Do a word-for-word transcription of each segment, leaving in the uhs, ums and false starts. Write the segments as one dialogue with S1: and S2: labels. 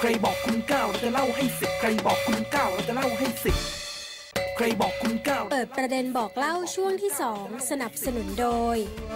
S1: ใครบอกคุณเก้าเราจะเล่าให้สิบใครบอกคุณเก้าเราจะเล่าให้สิบใครบอกคุณเก้า
S2: เปิดประเด็นบอกเล่าช่วงที่สองสนับสนุนโดย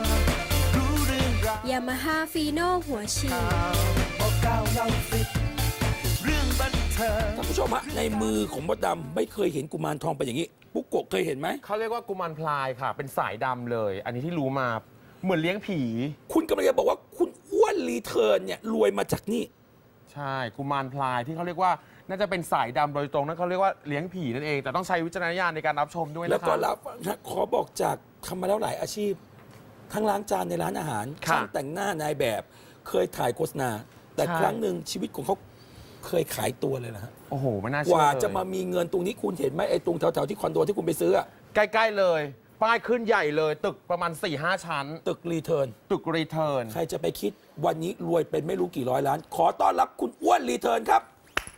S2: ยามาฮ่าฟีโน่หัวฉีด
S1: บอกเก้าเล่าสิบเรื่องบันเทิง
S3: ท่านผู้ชมฮะในมือของมดดำไม่เคยเห็นกุมารทองเป็นอย่างนี้ปุ๊กโกะเคยเห็นไหม
S4: เขาเรียกว่ากุมารพลายค่ะเป็นสายดำเลย อันนี้ที่รู้มาเหมือนเลี้ยงผี
S3: คุณกำลังจะบอกว่าคุณอ้วนรีเทิร์นเนี่ยรวยมาจากนี่
S4: ใช่กุมารพลายที่เขาเรียกว่าน่าจะเป็นสายดำโดยตรงนั่นเขาเรียกว่าเลี้ยงผีนั่นเองแต่ต้องใช้วิจารณญาณในการรับชมด้วยนะครับ
S3: แล้วก็รับนะขอบอกจากทำมาแล้วหลายอาชีพ ทั้งล้างจานในร้านอาหารช่างแต่งหน้านายแบบเคยถ่ายโฆษณาแต่ครั้งหนึ่งชีวิตของเขาเคยขายตัวเลยนะฮะ
S4: โอ้โหไม่น่า
S3: ก
S4: เชื่อ
S3: ว่าจะมามีเงินตรงนี้คุณเห็นไหมไอ้ตรงแถวๆที่คอนโดที่คุณไปซื้ออะ
S4: ใกล้ๆเลยป้ายขึ้นใหญ่เลยตึกประมาณ สี่ห้า ชั้น
S3: ตึกรีเทิร์น
S4: ตึกรีเทิร์น
S3: ใครจะไปคิดวันนี้รวยเป็นไม่รู้กี่ร้อยล้าน ขอต้อนรับคุณอ้วนรีเทิร์นครับ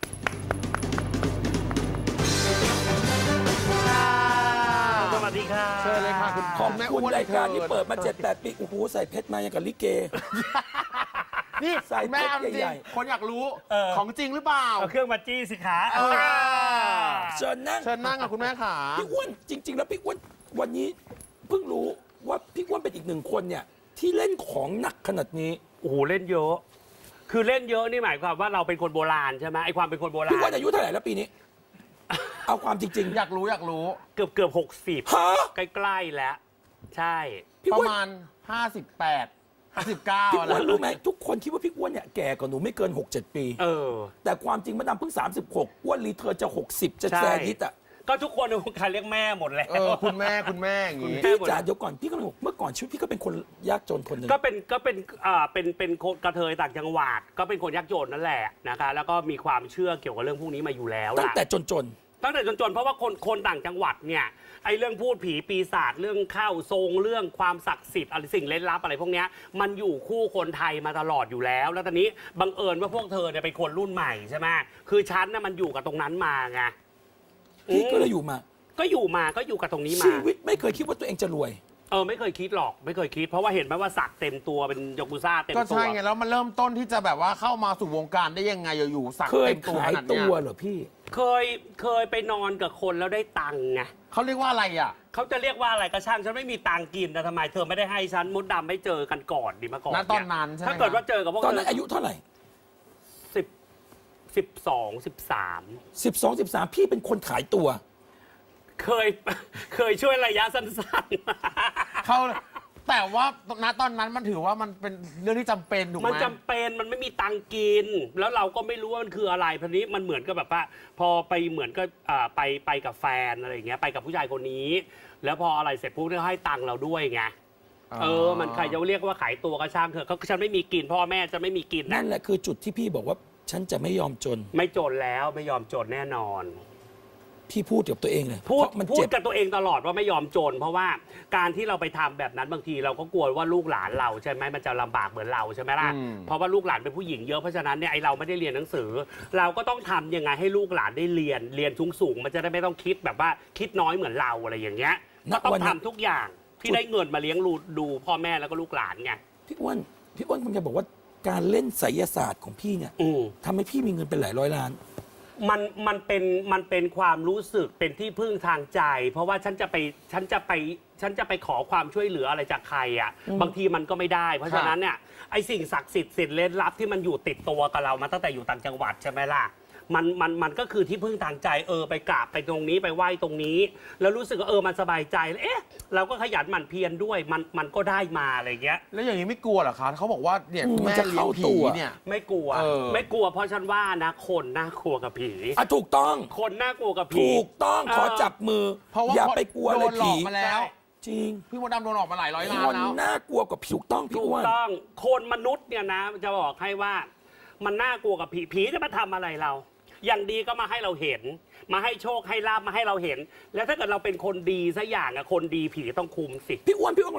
S5: สวัสดีค่ะ
S4: เชิญเลยค่ะคุณ
S3: ขอบคุณรายการที่เปิดมา เจ็ดแปด ปีโอ้โหใส่เพชรมาอย่างกับลิเก
S4: นี่
S3: ใส่
S4: แม่
S3: เพชร
S4: จริง
S3: ใหญ่
S4: คนอยากรู้ของจริงหรือเปล่า
S5: เอาเครื่องมาจี้สิคะ
S3: เชิญนั่ง
S4: เชิญนั่งกับคุณแม่ขา
S3: พี่อ้วนจริง ๆ แล้วพี่อ้วนวันนี้เพิ่งรู้ว่าพี่อ้วนเป็นอีกหนึ่งคนเนี่ยที่เล่นของหนักขนาดนี้
S5: โอ้โหเล่นเยอะ คือเล่นเยอะนี่หมายความว่าเราเป็นคนโบราณใช่ไหมไอความเป็นคนโบราณ
S3: พี่อ้วนอายุเท่าไหร่แล้วปีนี้ เอาความจริง ๆ
S4: อยากรู้อยากรู้
S5: เกือบเกือบหกสิบ
S3: ฮะ
S5: ใกล้ๆแล้วใช่
S4: ประมาณห้าสิบแปด ห้าสิบเก้า
S3: พี่อ้วนรู้ไหมทุกคนคิดว่าพี่อ้วนเนี่ยแก่กว่าหนูไม่เกิน หกเจ็ด ปี
S5: เออ
S3: แต่ความจริงมะดำเพิ่งสามสิบหกอ้วนรีเทิร์นจะหกสิบจะแซนิดอ่ะ
S5: ก็ทุกคนในวงการเรียกแม่หมดแล้ว
S4: เออคุณแม่คุณแม่อย่างงี้
S3: พี่จ๋าเดี๋ยวก่อนพี่ก็บอกเมื่อก่อนชีวิตพี่ก็เป็นคนยากจนคนหนึ่ง
S5: ก็เป็นก็เป็นอ่าเป็นเป็นกระเทยต่างจังหวัดก็เป็นคนยากจนนั่นแหละนะคะแล้วก็มีความเชื่อเกี่ยวกับเรื่องพวกนี้มาอยู่แล้ว
S3: ตั้งแต่จนจน
S5: ตั้งแต่จนๆเพราะว่าคนคนต่างจังหวัดเนี่ยไอ้เรื่องพูดผีปีศาจเรื่องเข้าทรงเรื่องความศักดิ์สิทธิ์อะไรสิ่งเล่นลับอะไรพวกนี้มันอยู่คู่คนไทยมาตลอดอยู่แล้วแล้วตอนนี้บังเอิญว่าพวกเธอเนี่ยเป็นคนรุ่นใหม่ใช่ไหมคือฉันน่ะมันอยู่กับตรงนั้นมาไง
S3: พี่ก็เลยอยู่มา
S5: ก็อยู่มาก็อยู่กับตรงนี้มา
S3: ชีวิตไม่เคยคิดว่าตัวเองจะรวย
S5: เออไม่เคยคิดหรอกไม่เคยคิดเพราะว่าเห็นไหมว่าสักเต็มตัวเป็นยากุซ่าเต็มตัว
S4: ก็ใช่ไงแล้วมันเริ่มต้นที่จะแบบว่าเข้ามาสู่วงการได้ยังไงอยู่ๆสักเต็มตัวขนาดนี้
S3: เคยขายตัวเหรอพี่
S5: เคยเคยไปนอนกับคนแล้วได้ตังค์ไง
S4: เขาเรียกว่าอะไรอ่ะ
S5: เขาจะเรียกว่าอะไรก็ช่างฉันไม่มีตังค์กินแต่ทำไมเธอไม่ได้ให้ฉันมดดำไม่เจอกันก่อนดีมาก่อน
S4: ณตอนนั้นใช่ไหม
S5: ถ้าเกิดว่าเจอกับพวก
S3: ตอนนั้นอายุเท่าไหร่
S5: สิบสิบสองสิบสาม
S3: สิบสองสิบสามพี่เป็นคนขายตัว
S5: เคยเคยช่วยระยะสั้น
S4: ๆเขาแต่ว่าณตอนนั้นมันถือว่ามันเป็นเรื่องที่จำเป็นถูกไหม
S5: มันจำเป็นมันไม่มีตังค์กินแล้วเราก็ไม่รู้ว่ามันคืออะไรพอนี้มันเหมือนกับแบบว่าพอไปเหมือนก็ไปไปกับแฟนอะไรอย่างเงี้ยไปกับผู้ชายคนนี้แล้วพออะไรเสร็จปุ๊บเขาให้ตังค์เราด้วยไงเออมันใครจะเรียกว่าขายตัวก็ช่างเถอะเขาฉันไม่มีกินพ่อแม่จะไม่มีกิน
S3: นั่นแหละคือจุดที่พี่บอกว่าฉันจะไม่ยอมจน
S5: ไม่จนแล้วไม่ยอมจนแน่นอน
S3: พี่พูดกับตัวเองเลย
S5: พูดพูดกับตัวเองตลอดว่าไม่ยอมจนเพราะว่าการที่เราไปทำแบบนั้นบางทีเราก็กลัวว่าลูกหลานเราใช่ไหมมันจะลำบากเหมือนเราใช่ไหมล่ะเพราะว่าลูกหลานเป็นผู้หญิงเยอะเพราะฉะนั้นเนี่ยไอเราไม่ได้เรียนหนังสือเราก็ต้องทำยังไงให้ลูกหลานได้เรียนเรียนสูงสูงมันจะได้ไม่ต้องคิดแบบว่าคิดน้อยเหมือนเราอะไรอย่างเงี้ยต้องทำทุกอย่างที่ได้เงินมาเลี้ยงดูพ่อแม่แล้วก็ลูกหลานไง
S3: พี่อ้วนพี่อ้วนคุณจะบอกว่าการเล่นไสยศาสตร์ของพี่เนี่ยทำให้พี่มีเงินเป็นหลายร้อยล้าน
S5: มันมันเป็นมันเป็นความรู้สึกเป็นที่พึ่งทางใจ เพราะว่าฉันจะไปฉันจะไปฉันจะไปขอความช่วยเหลืออะไรจากใครอ่ะบางทีมันก็ไม่ได้เพราะฉะนั้นเนี่ยไอสิ่งศักดิ์สิทธิ์สิ่งเล่นลับที่มันอยู่ติดตัวกับเรามาตั้งแต่อยู่ต่างจังหวัดใช่ไหมล่ะมันมันมันก็คือที่พึ่งทางใจเออไปกราบไปตรงนี้ไปไหว้ตรงนี้แล้วรู้สึกว่าเออมันสบายใจเอ๊ะเราก็ขยันหมั่นเพียรด้วยมันมันก็ได้มาอะไรเงี้ย
S4: แล้วอย่างนี้ไม่กลัวเหรอคะเขาบอกว่าเนี่ยแม่เลี้ยงผีเนี่ย
S5: ไม่กลัวไม่กลัวเพราะฉันว่านะคนน่ากลัวกับผี
S3: อ่ะถูกต้อง
S5: คนน่ากลัวกับผี
S3: ถูกต้องขอจับมือเพราะว่าอย่าไปกลัวเลยผี
S4: มาแล้ว
S3: จริง
S4: พี่มดดำโดนออกมาหลายร้อยล้าน
S3: แล้วคนน่ากลัวกับผีถูกต้องพี่อ้วน
S5: ถูกต้องคนมนุษย์เนี่ยนะจะบอกให้ว่ามันน่ากลัวกับผีผีจะมาทำอะไรเราอย่างดีก็มาให้เราเห็นมาให้โชคให้ลาบมาให้เราเห็นแล้วถ้าเกิดเราเป็นคนดีสักอย่างอะคนดีผีต้องคุมสิ
S3: พี่อ้วนพี่อ้วนกำลังจะบอกว่า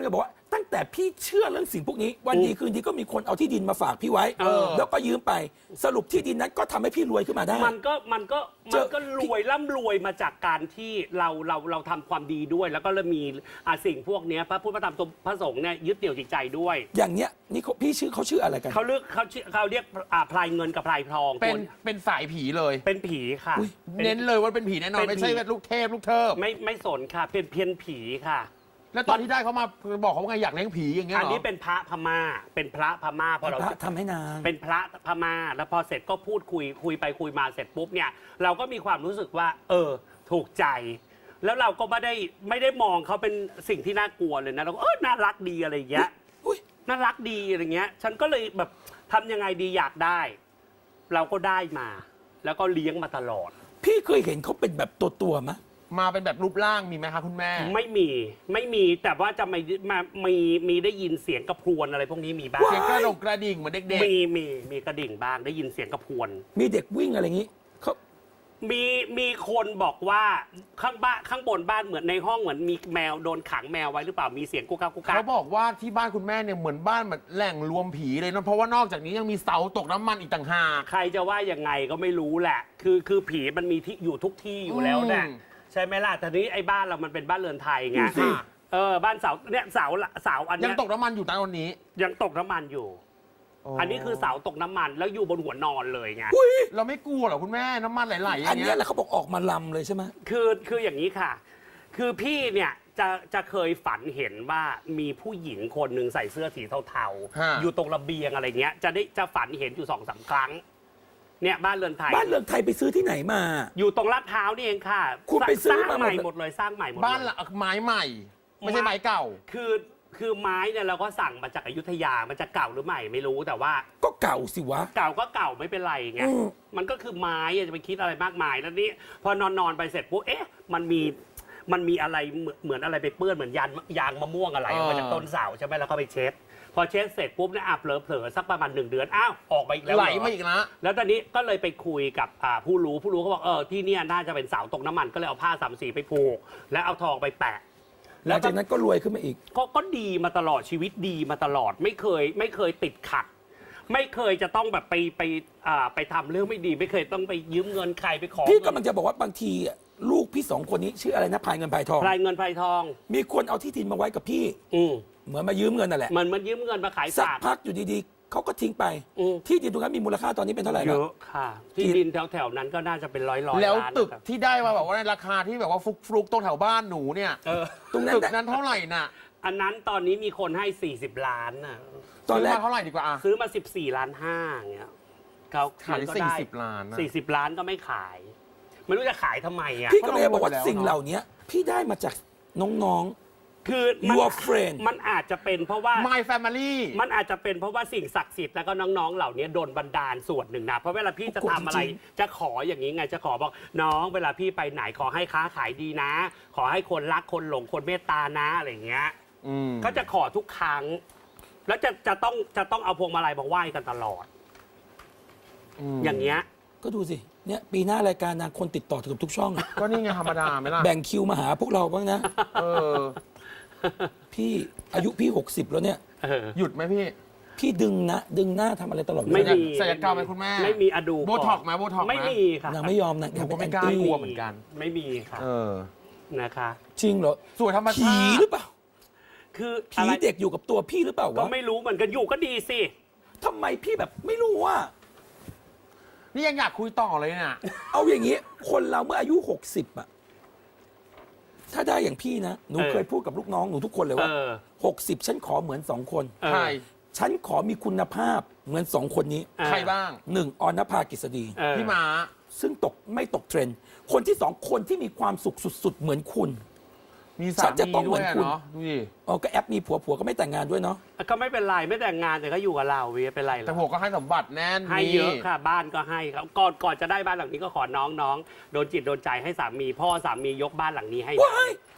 S3: ตั้งแต่พี่เชื่อเรื่องสิ่งพวกนี้วันดีคืนดีก็มีคนเอาที่ดินมาฝากพี่ไว้
S5: เออ
S3: แล้วก็ยืมไปสรุปที่ดินนั้นก็ทำให้พี่รวยขึ้นมาได้
S5: มันก็มันก็
S3: เจ
S5: มัน
S3: อ
S5: ก็รวยร่ำรวยมาจากการที่เราเราเราทำความดีด้วย แล้วก็เลยมีอ่ะสิ่งพวกเนี้ยพระพุทธพระธรรมพระสงฆ์เนี่ยยึดเหนี่ยวจิตใจด้วย
S3: อย่างเนี้ยนี่เขาพี่ชื่อเขาชื่ออะไรกัน
S5: เขาเลือกเขาชื่อเขาเรียกอ่าพลายเงินกับพลายทอง
S4: เป็น
S5: คน
S4: เป็นสายผีเลย
S5: เป็นผีค่ะ
S3: อุ๊ย
S5: ป็
S4: เน้นเลยว่าเป็นผีแน่นอน
S5: เป็นผี
S4: ไม่ใช่ลูกเทพลูกเทิบ
S5: ไม่ไม่สนค่ะ เป็นเพียนผีค่ะ
S4: แล้วตอนที่ได้เขามาบอกเขาว่าไงอยากเลี้ยงผีอย่างเงี้ย
S5: อัน
S4: เหรอ
S5: นี้เป็นพระพม่า เป็นพระพม่าพอเรา
S3: พระทำให้นาง
S5: เป็นพระพม่า แล้วพอเสร็จก็พูดคุยคุยไปคุยมาเสร็จปุ๊บเนี่ย เราก็มีความรู้สึกว่า เออ ถูกใจ แล้วเราก็ไม่ได้ไม่ได้มองเขาเป็นสิ่งที่น่ากลัวเลยนะเราก็เออน่ารักดีอะไรอย่างเงี้ย
S3: อุ๊ย
S5: น่ารักดีอะไรเงี้ย ฉันก็เลยแบบทำยังไงดีอยากได้ เราก็ได้มา แล้วก็เลี้ยงมาตลอด
S3: พี่เคยเห็นเขาเป็นแบบตัวตัวๆมะ
S4: มาเป็นแบบรูปร่างมีไหมคะคุณแม่
S5: ไม่มีไม่มีแต่ว่าจะไม่มามีมีได้ยินเสียงกระพรวนอะไรพวกนี้มีบ้าง
S4: เสียงกระดกกระดิ่งเหมือนเด็ก
S5: มีมีมีกระดิ่งบ้างได้ยินเสียงกระพรวน
S3: มีเด็กวิ่งอะไรอย่างนี้เขา
S5: มีมีคนบอกว่าข้างบ้านข้างบนบ้านเหมือนในห้องเหมือนมีแมวโดนขังแมวไว้หรือเปล่ามีเสียงกุกกักกุก
S4: ๆ
S5: กั
S4: เขา
S5: ก
S4: บอกว่าที่บ้านคุณแม่เนี่ยเหมือนบ้านแบบแหล่งรวมผีเลยนะเพราะว่านอกจากนี้ยังมีเสาตกน้ำมันอีกต่างหาก
S5: ใครจะว่ายังไงก็ไม่รู้แหละ คือคือผีมันมีที่อยู่ทุกที่อยู่แล้วแหละ
S4: อืม
S5: ใช่ไหมล่ะแต่นี้ไอ้บ้านเรามันเป็นบ้านเรือนไทยไง
S4: ดูสิ
S5: เออบ้านเสาเนี่ยเสาเสาอัน
S4: ยั
S5: เนี้
S4: ง
S5: ย
S4: ตกน้ำมันอยู่ตอนนี้
S5: ยังตกน้ำมันอยู่ อันนี้คือเสาตกน้ำมันแล้วอยู่บนหัวนอนเลยไง
S4: เราไม่กลัวเหรอคุณแม่น้ำมันไหลๆอ
S3: อัน
S4: ย่าง
S3: เนี้
S4: เงี้
S3: ย
S4: ย
S3: แหละเขาบอกออกมาลำเลยใช่ไหม
S5: คือคืออย่างนี้ค่ะ คือพี่เนี่ยจะจะเคยฝันเห็นว่ามีผู้หญิงคนหนึ่งใส่เสื้อสีเทา
S4: ฮะ
S5: ๆ อยู่ตรงระเบียงอะไรเงี้ย จะได้จะฝันเห็นอยู่สองสามครั้ง เนี่ยบ้านเรือนไทย
S3: บ้านเรือนไทยไปซื้อที่ไหนมา
S5: อยู่ตรงลาดพร้าวนี่เองค่ะ
S3: คุณไปซื้อ
S5: สร้าง
S3: มาหมด
S5: ใหม่หมดเลยสร้างใหม่หมดเลย
S4: บ้านละไม้ใหม่ ไม่ใช่ไม้เก่า
S5: คือคือไม้เนี่ยเราก็สั่งมาจากอยุธยามันจะเก่าหรือใหม่ไม่รู้แต่ว่า
S3: ก็เก่าสิวะ
S5: เก่าก็เก่าไม่เป็นไรไง
S3: อืม
S5: มันก็คือไม้อะจะไปคิดอะไรมากมายแล้วนี่พอนอนนอนๆไปเสร็จปุ๊บเอ๊ะมันมีมันมีอะไรเหมือนเหมือนอะไรไปเปื้อนเหมือนยางยางมะม่วงอะไรออกมา
S4: อ่า
S5: จากต้นเสาใช่ไหมแล้วก็ไปเช็ดพอเช็ดเสร็จปุ๊บเนี่ยอ่ะเผลอๆสักประมาณหนึ่งเดือนอ้าวออกมาอีกแล้ว
S4: ไหล
S5: เร
S4: มาอีกนะ
S5: แล้วตอนนี้ก็เลยไปคุยกับอ่าผู้รู้ผู้รู้เขาบอกเออที่เนี่ยน่าจะเป็นเสาตกน้ำมันก็เลยเอาผ้าสามสีไปผูกแล้วเอาทองไปแปะ
S3: หลังจากนั้นก็รวยขึ้นมาอีก
S5: ก็ก็ดีมาตลอดชีวิตดีมาตลอดไม่เคยไม่เคยติดขัด ไม่เคยจะต้องแบบไปไปอ่าไปทำเรื่องไม่ดี ไม่เคยต้องไปยืมเงินใครไปขอ
S3: พี่
S5: เงิ
S3: กำลังจะบอกว่าบางทีอะลูกพี่สองคนนี้ชื่ออะไรนะพายเงินพายทอง
S5: รายเงินพายทอง
S3: มีคนเอาที่ดินมาไว้กับพี่
S5: อืม
S3: เหมือนมายืมเงินนั่นแหละ
S5: เหมือนมันยืมเงินมาขาย
S3: สัก
S5: ฝาก
S3: พักอยู่ดีๆเขาก็ทิ้งไป
S5: อืม
S3: ที่ดินตรงนั้นมีมูลค่าตอนนี้เป็นเท่าไหร่
S5: เย
S3: แล้ว
S5: อะค่ะ ที่ดินแถวๆนั้นก็น่าจะเป็นร้อยร้อย
S4: แล้ว
S5: ล้าน
S4: ตึก
S5: นะครับ
S4: ที่ได้มาแบบว่าในราคาที่แบบว่าฟุกๆตรงแถวบ้านหนูเนี่ย
S5: เออ
S3: ตรงนั้น
S4: ตึก
S3: น่ะ
S4: นั้นเท่าไหร่น่ะ
S5: อันนั้นตอนนี้มีคนให้ สี่สิบ ล้านน่ะ
S3: ตอนแรก
S4: ซื้มาเท่าไหร่ดีกว่าอ่ะ
S5: ซื้อมา สิบสี่ ล้านห้าอย่างเงี้ยเขา
S4: ขาย
S5: มันก็
S4: สี่
S5: ได้
S4: สิบล้านนะ
S5: สี่สิบล้านก็ไม่ขาย ไม่รู้จะขายทำไมอ่ะ
S3: พี่ก็เลยบอกว่า
S4: เพราะเรารวยแล้ว
S3: สิ่งเหล่านี้พี่ได้มาจากน้อง
S5: คือมัน
S3: Your friend
S5: มันอาจจะเป็นเพราะว่า
S4: My Family
S5: มันอาจจะเป็นเพราะว่าสิ่งศักดิ์สิทธิ์แล้วก็น้องๆ เหล่านี้โดนบันดาลส่วนหนึ่งนะ เพราะเวลาพี่จะทำอะไร
S3: จริง
S5: จะขออย่างนี้ไง จะขอบอกน้องเวลาพี่ไปไหนขอให้ค้าขายดีนะ ขอให้คนรักคนหลงคนเมตตานะอะไรอย่างเงี้ย
S4: อืม
S5: ก็จะขอทุกครั้ง แล้วจะจะต้องจะต้องเอาพวงมาลัยมาไหว้กันตลอด
S4: ม
S5: อย่างเงี้ย
S3: ๆ ก็ดูสิเนี่ยปีหน้ารายการนางคนติดต่อเกือบทุกช่องอะ
S4: ก็นี่ไงธรรมดาไหมล่ะ
S3: แบ่งคิวมาหาพวกเราบ้างนะ
S4: เออ
S3: พี่อายุพี่หกสิบแล้วเนี่ย
S5: เออ
S4: หยุดไหมพี่
S3: พี่ดึงนะดึงหน้าทำอะไรตลอดเว
S5: ไม่
S3: ลา
S5: มี
S4: ศัลยกรรมไหมคุณแม่
S5: ไม่มีอะดู
S4: โบท็อกซ์ไหมโบท็อกซ์ไหม
S5: ไม่มีค่ะ
S3: นางไม่ยอมนะ
S4: หนูก็ไม่
S3: น
S4: กล้า
S3: แอนตี้
S4: กลัวเหมือนกัน
S5: ไม่มีค่ะ
S4: เออ
S5: นะคะ
S3: จริงเหรอ
S4: สวยธรรม
S3: ผี
S4: ชาติ
S3: หรือเปล่า
S5: คือ
S3: ผี
S5: อะไร
S3: เด็กอยู่กับตัวพี่หรือเปล่า
S5: ก็
S3: วะ
S5: ไม่รู้เหมือนกันอยู่ก็ดีสิ
S3: ทำไมพี่แบบไม่รู้ว่า
S4: นี่ยังอยากคุยต่อเลยเนี่ย
S3: เอาอย่างนี้ คนเราเมื่ออายุหกสิบอะถ้าได้อย่างพี่นะ หนู
S5: เออ
S3: เคยพูดกับลูกน้องหนูทุกคนเลย
S5: เอ
S3: ว่า
S5: อ
S3: หกสิบฉันขอเหมือนสองคน
S5: เออ
S4: ใคร
S3: ฉันขอมีคุณภาพเหมือนสองคนนี้
S5: เออ
S4: ใครบ้าง
S3: หนึ่งออนภากฤษฎี
S5: เออ
S4: พี่ม้า
S3: ซึ่งตกไม่ตกเทรนด์คนที่สองคนที่มีความสุขสุด ๆ เหมือนคุณ
S4: มี
S3: ฉั
S4: สาน
S3: จะต้
S4: มี
S3: องเหมื
S4: ด้ว
S3: อย น
S4: อะ
S3: คุณ
S4: เนาะดูดิ
S3: อ๋อก็แอปมีผัวผัวก็ไม่แต่งงานด้วยเนาะ
S5: ก็ไม่เป็นไรไม่แต่งงานแต่ก็อยู่กับเราวิเป็นไรหร
S4: แต่
S5: อก
S4: ผมก็ให้สมบัติแน่น
S5: ให้เยอะค่ะ บ้านก็ให้ครับก่อนก่อนจะได้บ้านหลังนี้ก็ขอน้องน้องโดนจิตโดนใจให้สามี พ่อสามียกบ้านหลังนี้ให้
S3: ว้าย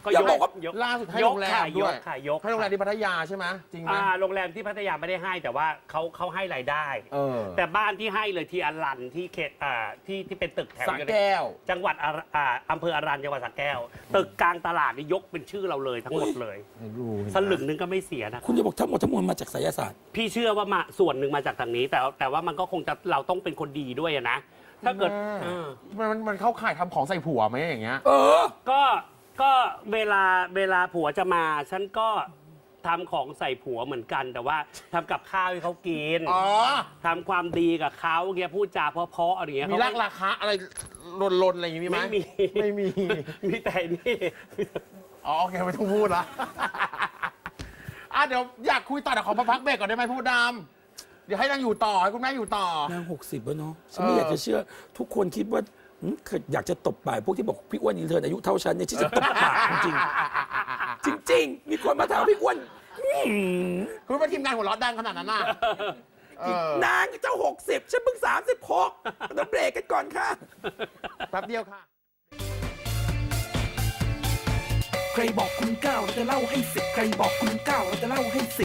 S5: ก็
S3: อย่าบอกว่า
S5: ยก
S4: ล่าสุดให้โรงแรม
S5: ค่ะ
S4: ด้วย
S5: กค่ะยก
S4: ให้โรงแรมที่พัทยาใช่ไหมจริงไหม
S5: อ่าโรงแรมที่พัทยาไม่ได้ให้แต่ว่าเขาเขาให้รายได้
S4: เออ
S5: แต่บ้านที่ให้เลยที่อรันที่เขตอ่าที่ที่เป็นตึกแถว
S4: สระแก้ว
S5: จังหวัดอาอ่าอำเภออรัญจังหวัดสระแก้ว ตึกกลางตลาดนี่ยกเป็นชื่อเราเลยทั้งหมดเลย
S4: ไม่รู้
S5: สลึงนึงก็ไม่เสียนะ
S3: คุณจะบอกทั้งหมดทั้งมวลมาจากไสยศาสตร์
S5: พี่เชื่อว่ามาส่วนหนึ่งมาจากทางนี้ แต่แต่ว่ามันก็คงจะเราต้องเป็นคนดีด้วยอะนะ ถ้าเกิดเออ
S4: มันมันมันเข้าข่ายทำของใส่ผัวไหมอย่างเงี้ย
S3: เออ
S5: ก็ก็เวลาเวลาผัวจะมา ฉันก็ทำของใส่ผัวเหมือนกัน แต่ว่าทำกับข้าวให้เขากิน
S4: อ๋อ
S5: ทำความดีกับเขาเงี้ยพูดจาเพราะๆอะไรเงี้ย
S4: มี
S5: เขา
S4: รักราคาอะไรลนๆอะไรอย่างงี้มีไหม
S5: ไม่มี
S4: ไม่มี
S5: มีแต่นี่
S4: อ๋อโอเคไม่ต้องพูดละ อ่ะเดี๋ยวอยากคุยต่อแต่ขอมาพักเบรกก่อนได้ไหมพูดดำเดี๋ยวให้นางอยู่ต่อให้คุณแม่อยู่ต่อ
S3: นางหกสิบแล้วเนาะฉันไม่
S4: เออ
S3: อ
S4: อ
S3: ยากจะเชื่อ ทุกคนคิดว่าหืมเคยอยากจะตบปากพวกที่บอกพี่อ้วนอินเทอร์อายุเท่าฉันเนี่ยที่จะตบปากจริงๆจริง ๆ มีคนมาถามพี่อ้วนหืม
S4: คุณเป็นทีมงานหัวเราะดังขนาดนั้นน่ะเออน
S3: างเจ้าหกสิบฉันเพิ่งสามสิบหกต้องเบรกกันก่อนค่ะ
S4: แป๊บเดียวค่ะ
S1: ใครบอกคุณเก้าเราจะเล่าให้สิบใครบอกคุณเก้าเราจะเล่าให้สิบ